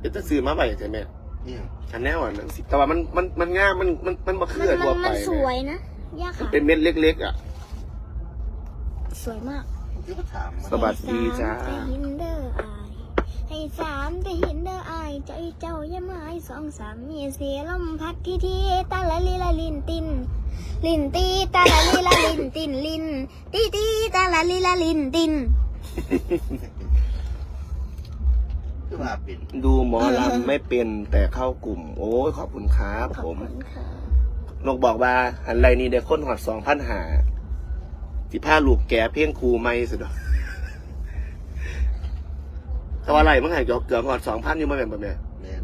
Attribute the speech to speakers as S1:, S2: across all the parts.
S1: เป็นตะซื้อมาใบใช่ไหมฉันแน่ว่านังสิแต่ว่ามันง่ายมันมาเคลื่อนตัวไป
S2: มันสวยนะย่าค่ะ
S1: เป็นเม็ดเล็กๆอ่ะ
S2: สวยมาก
S1: สวัสดีจ้า
S2: ให้สามแต่เห็นเด้ออายใจเจ้าอย่ามาให้สองสามมีเสียลมพัดที่ตาละลีละลินตินลินตีตาละลีละลินตินลินตีตาละลีละลินติน
S1: ดูหมอลำไม่เป็นแต่เข้ากลุ่มโอ้ยขอบคุณครับ
S2: ขอบ
S1: ผม
S2: คุณค่ะ
S1: นกบอกว่าอันไรนี่ได้ค้นหอด2,000 หาที่ผ้าลูกแก่เพียงครูไม่สุดอกแต่ว่าไรมันหายเกือบหอด2,000อยู่มาแบบนี้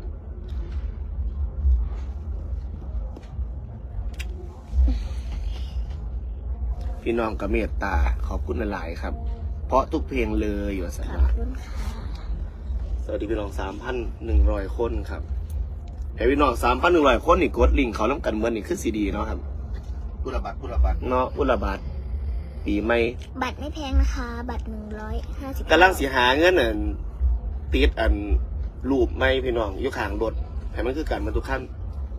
S1: พี่น้องกับเมตตาขอบคุณหลายๆครับ เพราะทุกเพลงเลยอยู่สัน
S2: ขอบ
S1: ว่า
S2: คุณค่ะ
S1: สวัสดีพี่น้อง 3,100 คนครับให้พี่น้อง 3,100 คนนี่กดลิงก์เขาน้ำกันเหมือนนี่คือซีดีเนาะครับพุทธบัตรเนาะพุทธบัตรปีใหม่
S2: บัตรไม่แพงนะคะบัตร150
S1: กำลังสิหาเงินอันติดอันรูปไม่พี่น้องอยู่ข้างรถให้มันคือการบรรทุกขั้น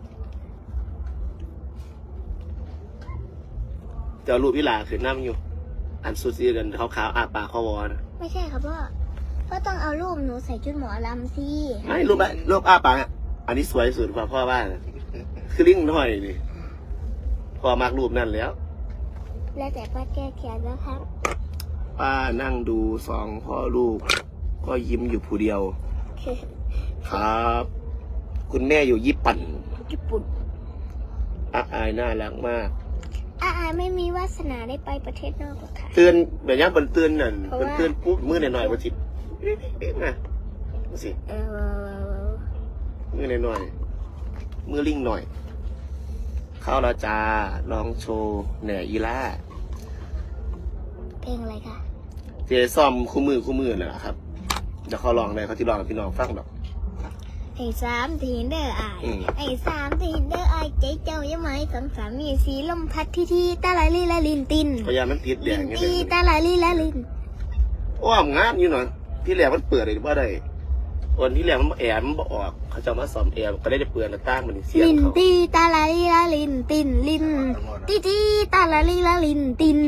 S1: เจ้ารูปวิลาขึ้นน้ำอยู่อันสุดสีกันขาวๆอาปากคอวอนะ
S2: ไม่ใช่ครับพ่อต้องเอารูปหนูใส่ชุดหมอลำสิ
S1: ไม่รูปอาปากอะอันนี้สวยสุดกว่าพ่อบ้านคือลิงน้อยนี่พ่อมากรูปนั่นแล้ว
S2: แล้วแต่ป้าแก้แค้นนะครับ
S1: ป้านั่งดู2 พ่อลูกก็ยิ้มอยู่ผู้เดียวครับ คุณแม่อยู่ญี่ปุ่น
S2: ญี่ปุ่น
S1: อายน่ารักมาก
S2: อาไม่มีวาสนาได้ไปประเทศนอกหรอกค่ะ
S1: เตือนแบบนี้เป็นเตือนนั่น
S2: เพราะ
S1: เป็น
S2: ว่า
S1: เตือนปุ๊บมือหน่อยๆประชิดนะสิมือหน่อยๆมือลิงหน่อย เข้าแล้วจ้าลองโชว์แหน่ยีล่า
S2: เพลงอะไรคะ
S1: เจซ่อมคู่มือน่ะครับเดี๋ยวเขาลองเลยเขาที่ลองให้พี่น้องฟังดอก
S2: ไอ้สามทีเดอร์อาย
S1: อืม
S2: ไอ้สามทีเดอร์อายใจเจ้ายังไงสองสามมีสีลมพัดที่ตาลาลีละลินติน
S1: พยายามมันติดแด
S2: ลิ
S1: ง
S2: น
S1: อย่างเงี้
S2: ตี
S1: ย
S2: ตาลาลีละลิน
S1: โอ้มงามอยู่หน่อยที่แรกมันเปิดเลยว่าได้วันที่แรกมันแอร์มันบ่ออกเขาจะมาซ่อมแอร์ก็ได้เปลือนตั้งมันเสียง
S2: ลิน
S1: เขา
S2: ตีตาลาลีละลินตินลินตีตาลาลีละลินติน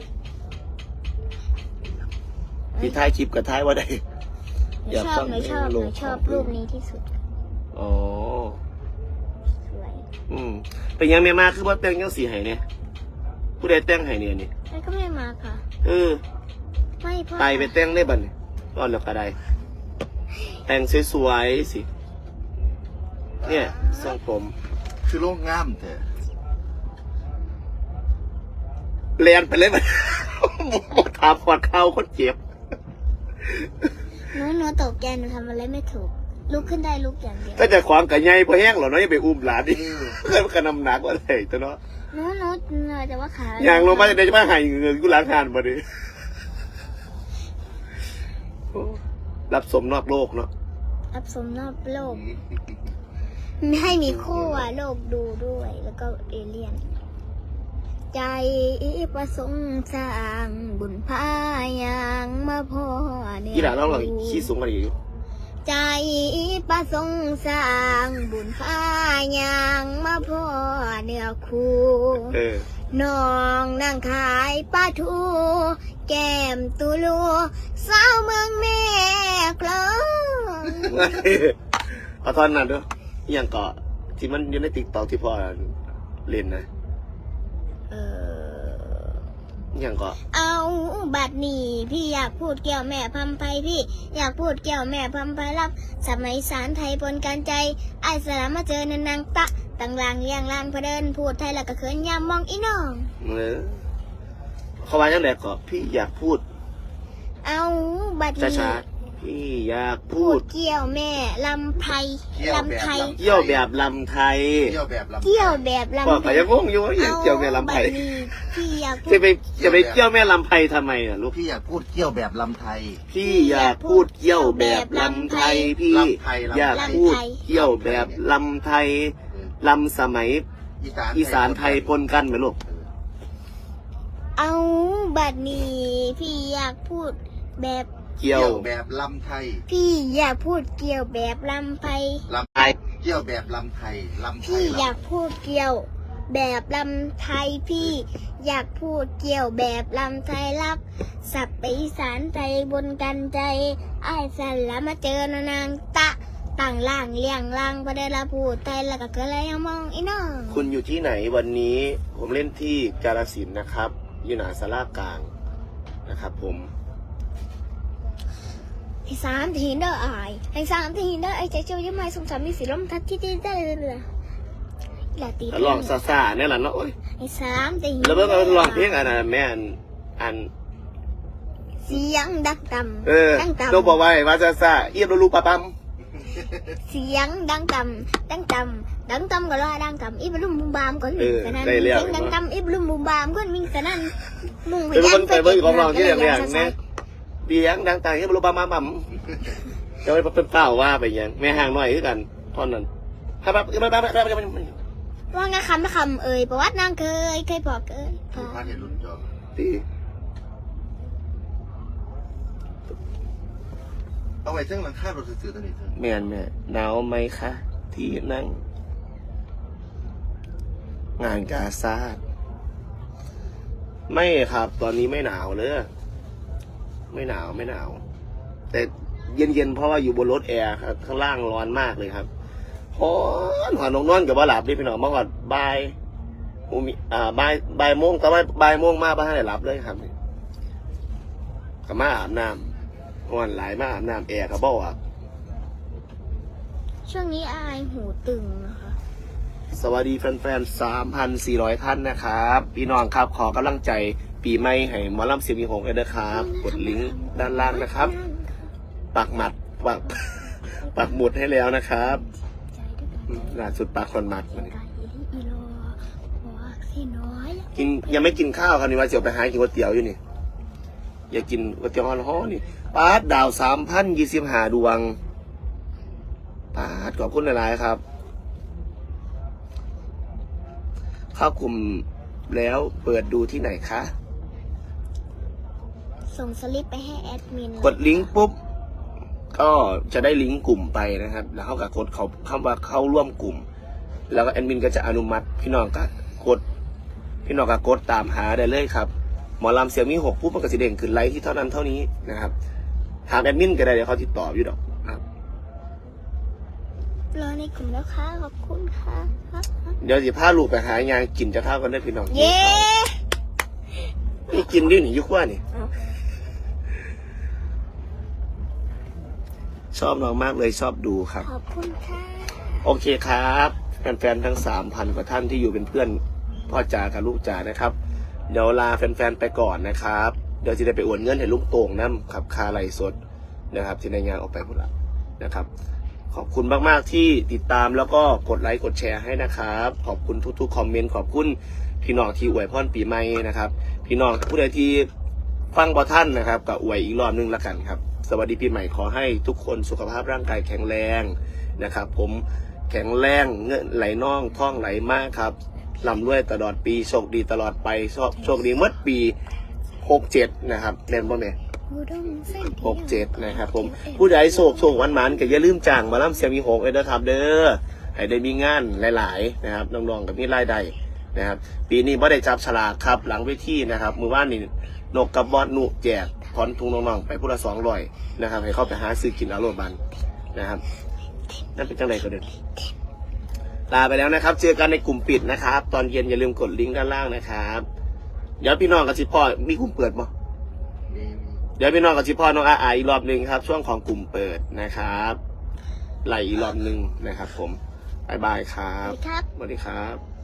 S1: ที่ท้ายคลิปกับท้ายว่าได้
S2: หนูชอบรูปนี้ที่สุด
S1: อ๋อ
S2: สวย
S1: เป็นยังไม่มาคือว่าแต่งยังสีไห้เนี่ยผู้ใดแต่งไห้เนี่ยนี่
S2: แล้วก็ไม่มาค่ะ ไม่พ่อ
S1: ไปแต่งได้บัดนี่ตอนแล้วก็ได้แต่งสวยๆสิเนี่ยทรงผม
S3: คือโล่งงามแต่
S1: เรียนไปเลยมัน บ่ถามขวดข้าวคนเจ็บ
S2: หนูตกใจหนูทำอะไรไม่ถูกลุกขึ้นได้ลุกอย่างเดียว
S1: ถ้าจะขวางกับใหญ่พอแห้งหรอเนาะอย่าไปอุ้มหลานดิเพื่อนกันนำหนักว่าได้ตัวเนาะ
S2: หนูจะว่าขา
S1: อย่างลงมาจะได้จะมาหายเงินกูล้างงานมาดิรับสมนอกโลกเนาะ
S2: รับสมนอกโลกให้มีคู่อะโลกดูด้วย แล้วก็เอเลี่ยน ใจประสงค์สร้างบุญพายางมาพ่อเนี่ย
S1: ที่หลานเราเราขี้สูงกันอยู่
S2: ใจประสงค์สร้างบุญพายางมาพ่อเนี่ยคู่ น้องนั่งขายปลาทูแก้มตูลูสาวเมืองแม่คลอง
S1: เอาท่อนนั้นด้วยอย่างเกาะที่มันอยู่ในติ๊กต็อกที่พ่อเล่นนะอย่างเกาะ
S2: เอาบัดนี้พี่อยากพูดเกี่ยวแม่พัมไพพี่อยากพูดเกี่ยวแม่พัมไพรับสมัยสารไทยปนกันใจไอ้สลามมาเจอนันนางตะตั้งลางเลี้ยงลานพะเดินพูดไทยแล้วก็เขินยามมองอีน้อง
S1: เขาว่าจังไดก็พี่อยากพูด
S2: เอาบัดนี้
S1: ช้าๆพี่อยากพู
S2: พู
S1: ด
S2: ดเกี่ยวแม่ลำไพลำไทย
S1: เกี่ยวแบบลำไทย
S3: เที่ยวแบบลำ
S2: เกี่ยวแบบลำ
S1: พ่อ
S2: ไท
S1: ก็
S2: ย
S1: ยังงงอยู่ว่าอย่างเกี่ยวแม่ลำไทย
S2: เอาบัดนี้พี่อยากพู
S1: จะ
S2: ด
S1: ไปเกี่ยวแม่ลำไทยทำไมอ่ะลูก
S3: พี่อยากพูดเที่ยวแบบลำไทย
S1: พี่อยากพูดเกี่ยวแบบลำไทยพี่
S3: ลำไทย
S1: อยากพูดเกี่ยวแบบลำไทยลำสมัยอีสานไทยปนกันไหมลูก
S2: เอาบัดนี้พี่อยากพูดแบบ
S1: เกี่ยว
S3: แบบลำไทย
S2: พี่อยากพูดเกี่ยวแบบลำไพ
S3: ลำไทยเกี่ยวแบบลำไทยลำไท
S2: พี่
S3: ย
S2: อยากพูดเกี่ยวแบบลำไทยพี่อยากพูดเกี่ยวแบบลำไทยรับสับไปอีสานใจบนกันใจไอ้ายสันละมาเจอนางตะต่างล่างเลี้ยงล่างประเดี๋ยวละพูดไทยแล้วก็เกิดอะไรยังมองอีน้อง
S1: คุณอยู่ที่ไหนวันนี้ผมเล่นที่กาฬสินธุ์นะครับอยู่หน้าศาลากลางนะครับผม
S2: ที่สามที่หินเด้ออายที่สามที่หินเด้อไอ้ใจเจ้ายังไม่สงสารมีสีลมทัดที่ได้เลยลาตี
S1: ลองซาๆเนี่ยแหละเนาะโอ้ย
S2: ไอ้สามที่หิน
S1: แล้วเมื่อกี้ลองเพลงอันนั้นแม่อัน
S2: เสียงดังต่ำ
S1: เออ
S2: ดังต่ำ
S1: ต้องบอกไว้ว่าซาเอียบลูปะปั๊ม
S2: เสียงดังต่ำดังต่ำดังต่ำก็รอดังต่ำอีบลุมบุมบามก็มีสนั่นเสียงดังต่ำอีบลุมบุมบามก็มีสนั่นมุ่งไป
S1: เป็น
S2: ยั
S1: คนไปเบิ่งของลองที่แรกๆเนี่ยเบียงดังต่างเอียบลูปะปั๊มจะไปเป็นเป้าว่าไปยังแม่ห่างหน่อยคือกันท่อนนั้นครับ
S2: ว่าไงคำไม่คำเอ่ยประวัตินางเคยบอกเอ่ย
S3: ดูพาเห็นรุ่นจอ
S1: ตี
S3: เอาไว้เจ้งหลังคาเราสื่อตัวนี้เถอะ
S1: แม่หนาวไหมคะที่นั่งงานกาซาดไม่ครับตอนนี้ไม่หนาวเลยไม่หนาวแต่เย็นๆเพราะว่าอยู่บนรถแอร์ครับข้างล่างร้อนมากเลยครับร้อนหัวนอนกับว่าหลับดิพี่น้องเมื่อก่อนบ่ายบ่ายโมงแต่ว่าบ่ายโมงมาบ้านให้หลับเลยครับกับมาอาบน้ำวันหลายมาอาบน้ำแอร์กับบ่อ่ะ
S2: ช่วงนี้อายหูตึงนะคะ
S1: สวัสดีแฟนๆ 3,400 ท่านนะครับพี่น้องครับขอกำลังใจปีใหม่ให้หมอลำเสียงมีหงเลยนะครับกดลิงก์ด้านล่างนะครับปักหมุดให้แล้วนะครับล่าสุดปักคนหมัดกินยังไม่กินข้าวครับนี่ว่าเสียวไปหากินก๋วยเตี๋ยวอยู่นี่อย่ากินก๋วยเตี๋ยวฮ้อนๆนี่ปาดดาว 3,025 ดวงปาดขอบคุณหลายๆครับเข้ากลุ่มแล้วเปิดดูที่ไหนคะ
S2: ส่งสลิปไปให้แอดมิน
S1: กดลิงก์ปุ๊บก็จะได้ลิงก์กลุ่มไปนะครับแล้วเขาก็กดเขาคำว่าเข้าร่วมกลุ่มแล้วก็แอดมินก็จะอนุมัติพี่น้องก็กดตามหาได้เลยครับหมอลำเสียงมี6ปุ๊บมันก็จะเด้งขึ้นไลค์ที่เท่านั้นเท่านี้นะครับถามแอดมินก็ได้เดี๋ยวเขาติดต่ออยู่ดอกครับ
S2: รอในกลุ่มแล้วค่ะขอบคุณค่ะ
S1: เดี๋ยวสิพาลูกไปหางานกินจะเท่ากันได้พี่น้อง
S2: เย้
S1: นี่กินดิหนิยุคว่านี่ชอบน้องมากเลยชอบดูครับ
S2: ขอบคุณค่ะ
S1: โอเคครับแฟนๆทั้ง 3,000 กว่าท่านที่อยู่เป็นเพื่อนพ่อจ๋ากับลูกจ๋านะครับเดี๋ยวลาแฟนๆไปก่อนนะครับเดี๋ยวจะได้ไปอวดเงินให้ลูกโต่งน้ำครับคาไหลสดนะครับที่ในงานออกไปหมดแล้วนะครับขอบคุณมากๆที่ติดตามแล้วก็กดไลค์กดแชร์ให้นะครับขอบคุณทุกๆคอมเมนต์ขอบคุณพี่น้องที่อวยพรปีใหม่นะครับพี่น้องผู้ใดที่ฟังบ่ท่านนะครับก็อวยอีกรอบนึงละกันครับสวัสดีปีใหม่ขอให้ทุกคนสุขภาพร่างกายแข็งแรงนะครับผมแข็งแรงเงินไหลน่องท่องไหลมากครับร่ำรวยตลอดปีโชคดีตลอดไปโชคดีเมื่อปี67นะครับเล่นบ่แม่67นะครับผมผู้ใดโศกหวานๆก็อย่าลืมจ้างมาล่ำเสียงมี6เลยนะครับเด้อให้ได้มีงานหลายๆนะครับน้องๆกับมีรายได้นะครับปีนี้ไม่ได้จับฉลากครับหลังเวทีนะครับมือว่านนี่นกกับบอสนุแจกถอนทุงน้องๆไปผู้ละ200นะครับให้เข้าไปหาซื้อกินเอาโรบันนะครับนั่นเป็นจังไรก็เด็ดลาไปแล้วนะครับเจอกันในกลุ่มปิดนะครับตอนเย็นอย่าลืมกดลิงก์ด้านล่างนะครับเดี๋ยวพี่น้องกับชิพ่อมีกลุ่มเปิดมั้ยเดี๋ยวพี่น้องกับชิพ่อน้องอาอีกรอบหนึ่งครับช่วงของกลุ่มเปิดนะครับไหลอีกรอบหนึ่งนะครับผมบ๊ายบายครับ
S2: ครับ
S1: สวัสดีครับ